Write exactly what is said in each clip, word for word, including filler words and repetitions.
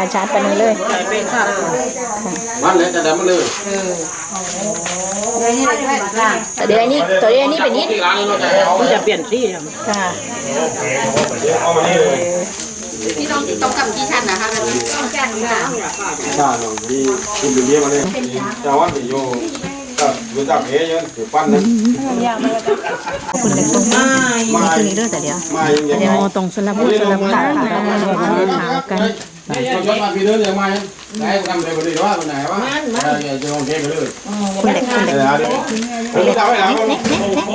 รมชาติปานนี้เลยมันเลยจะได้มาเลยแต่เดี๋ยวนี้ตัวเดี๋ยวนี้เป็นนิดมันจะเปลี่ยนที่ค่ะพี่ต้องต้องกำกี่ชั้นนะคะต้องชั้นค่ะใช่หนูมีคุณเป็นเลี้ยงมาเลยเจ้าวันที่โยก็รู้จักเอ๋ยถือปั้นนะคุณเล็กตรงนี้นี่คือนี้ด้วยแต่เดี๋ยวเดี๋ยวตรงสลับสลับขาขากันเราชอบมาพี่เนื้อเดี๋ยวมาไหนทำอะไรไปเลยว่าคนไหนวะจะลงเทไปเลยคุณเล็กคุณเล็กคุณเล็กทำให้เราเน็กเน็กเน็ก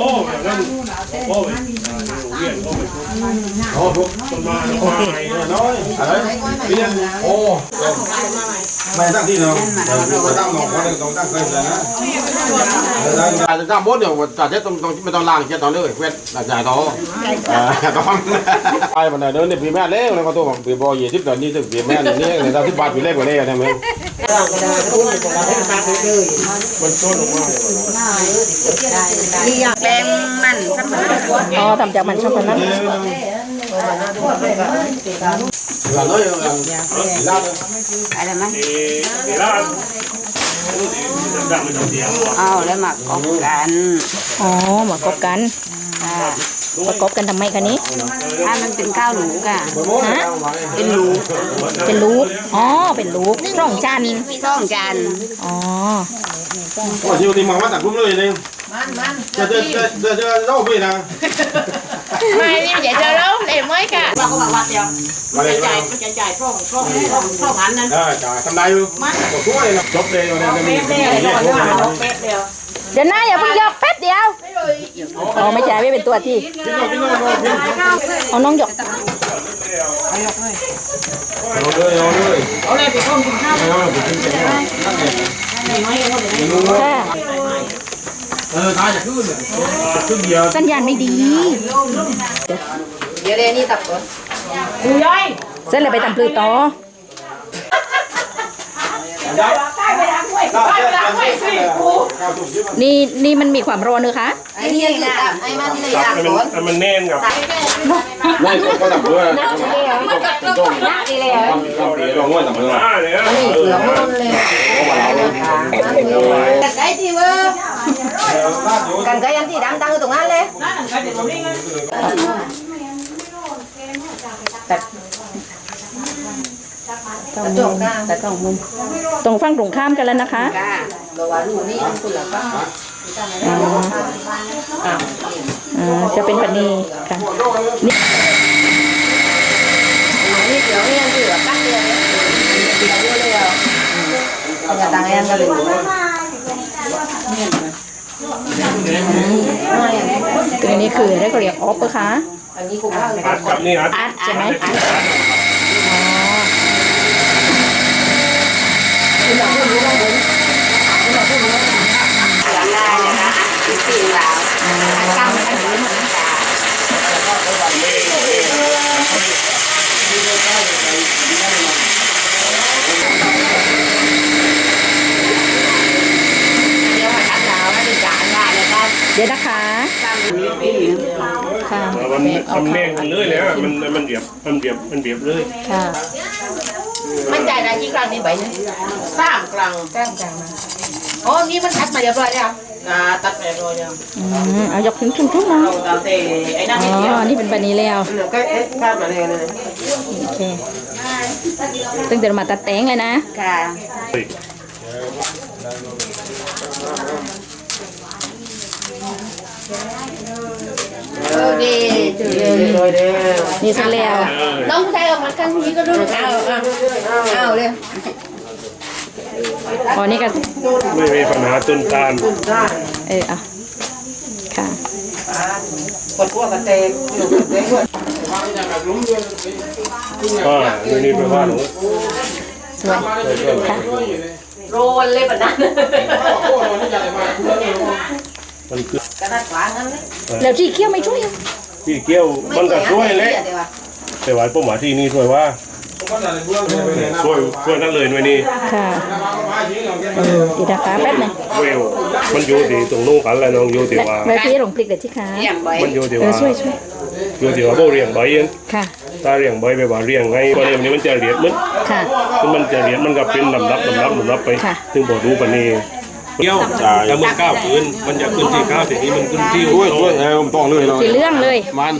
โอ้โหโอเคน้อยอะไรเรียนโอ้ไม่ตั้งที่เนาะไม่ตั้งหนองเขาเลยต้องตั้งเคยเลยนะแต่จะตั้งบดเดี๋ยวจะเช็ดตรงตรงไม่ต้องล้างเช็ดตอนเลยเว้นหลังจากต่อตอนไอ้บันไดเดินเนี่ยปีแม่เล่แล้วก็ตัวปีบอยยี่สิบตอนนี้ถึงปีแม่เนี่ยเนี่ยตอนที่บาทปีเล่กว่าเล่ใช่ไหมแกงมันสับปะรดอ๋อทำจากมันช็อกโกแลต là nói là ra อะไรมั้ยเอาแล้วมากบกันอ๋อมากบกันประกบกันทำไมคะนี้ถ้ามันเป็นข้าวหลูกอ่ะฮะเป็นลูกเป็นลูกอ๋อเป็นลูกร่องจันร่องจันอ๋อว่าชิวตีมังมาตักกุ้งเลยเลยจะจะจะจะจะเล่าไปนะไม่เนี่ยอย่าจะเล่าเลยไม่กะเราก็บอกว่าเดียวมันจะจ่ายมันจะจ่ายช่องช่องช่องพันนั้นได้จ่ายทำได้อยู่ก็ช่วยนะจบเลยเนี่ยจะมีเดี๋ยวนะอย่าเพิ่งยกแป๊บเดียวอ๋อไม่ใช่ไม่เป็นตัวที่เอาน้องหยกเอาเลยเอาเลยเอาเลยไปต้มกินข้าวเอาไปกินกันนั่นเองเออตายจะขึ้นเลยขึ้นเดียวสัญญาณไม่ดีเดี๋ยวเดี๋ยวนี่ตับก่อนกูย่อยเส้นเลยไปทำปลือต่อนี่นี่มันมีความร้อนเนอะคะไอ้นี่คือตับไอ้มันเลยตับก่อนมันแน่นกับไม่ก็ตับด้วยนักดีแล้วนักดีแล้วลองง่อยตับด้วยนี่เกลือมันเลยกันไก่ที่ว่ากันไก่ยันที่ดำตั้งอยู่ตรงนั้นเลยตรงมุมแต่ตรงมุมตรงฝั่งตรงข้ามกันแล้วนะคะอ๋ออ๋อจะเป็นปนีค่ะนี่นี่เดี๋ยวนี่ยังเหลือตั้งเลยเดี๋ยวเยอะเลยอ่ะอย่าตั้งยังกันเลยตัวนี้คือได้เขาเรียกออฟปะคะอันนี้คุ้มมากเลยนี่ครับอัดใช่ไหมเดี๋ยวนะคะค่ะมันมันแน่นเลยเลยมันมันเบียบมันเบียบมันเบียบเลยค่ะมันจ่ายได้กี่กรัมนี่ใบเนี่ยสามกรัมสามกรัมนะโอ้นี่มันตัดมาเรียบร้อยแล้วอ่าตัดมาเรียบร้อยแล้วอืมเอายกถึงทุ่งๆนะอ๋อนี่เป็นแบบนี้แล้วก็เอ๊ะข้ามมาเลยนะโอเคตั้งแต่มาตัดแตงเลยนะค่ะโอเคจุดเลยนี่เสร็จแล้วน้องผู้ชายออกมาข้างนี้ก็ดูเอาเอาเอาเลยอ๋อนี่ก็ไม่มีปัญหาต้นตาลเอออ่ะค่ะกดพวกกระเตงอ่าดูนี่แปลว่าหนูสวยค่ะโรนเลยแบบนั้นมันคือกระดาษหวานนั่นเลยแล้วที่เคี้ยวไม่ช่วยพี่เกี้ยวมันก็ช่วยเลยแต่ว่าป้าหมาที่นี่ช่วยว่าช่วยช่วยนั่นเลยวันนี้ค่ะเออดีนะคะแป๊บนึงเวลมันอยู่ที่ตรงนู้นกันแล้วน้องอยู่ที่ว่าแม่พี่หลงพลิกเด็ดที่ขามันอยู่ที่ว่าช่วยช่วยอยู่ที่ว่าโบเรียงใบเย็นค่ะตถ้าเรียงใบไปว่าเรียงไงก็เรียงนี้มันจะเรียดมันค่ะคือมันจะเรียดมันก็เป็นลำดับลำดับลำดับไปค่ะถึงบ่รู้ปานนี้เกี่ยวแต่เมื่อก้าวขึ้นมันจะขึ้นที่ก้าวทีนี้มันขึ้นที่ช่วยช่วยเออผมต้องเลยเนาะสีเรื่องเลยมัน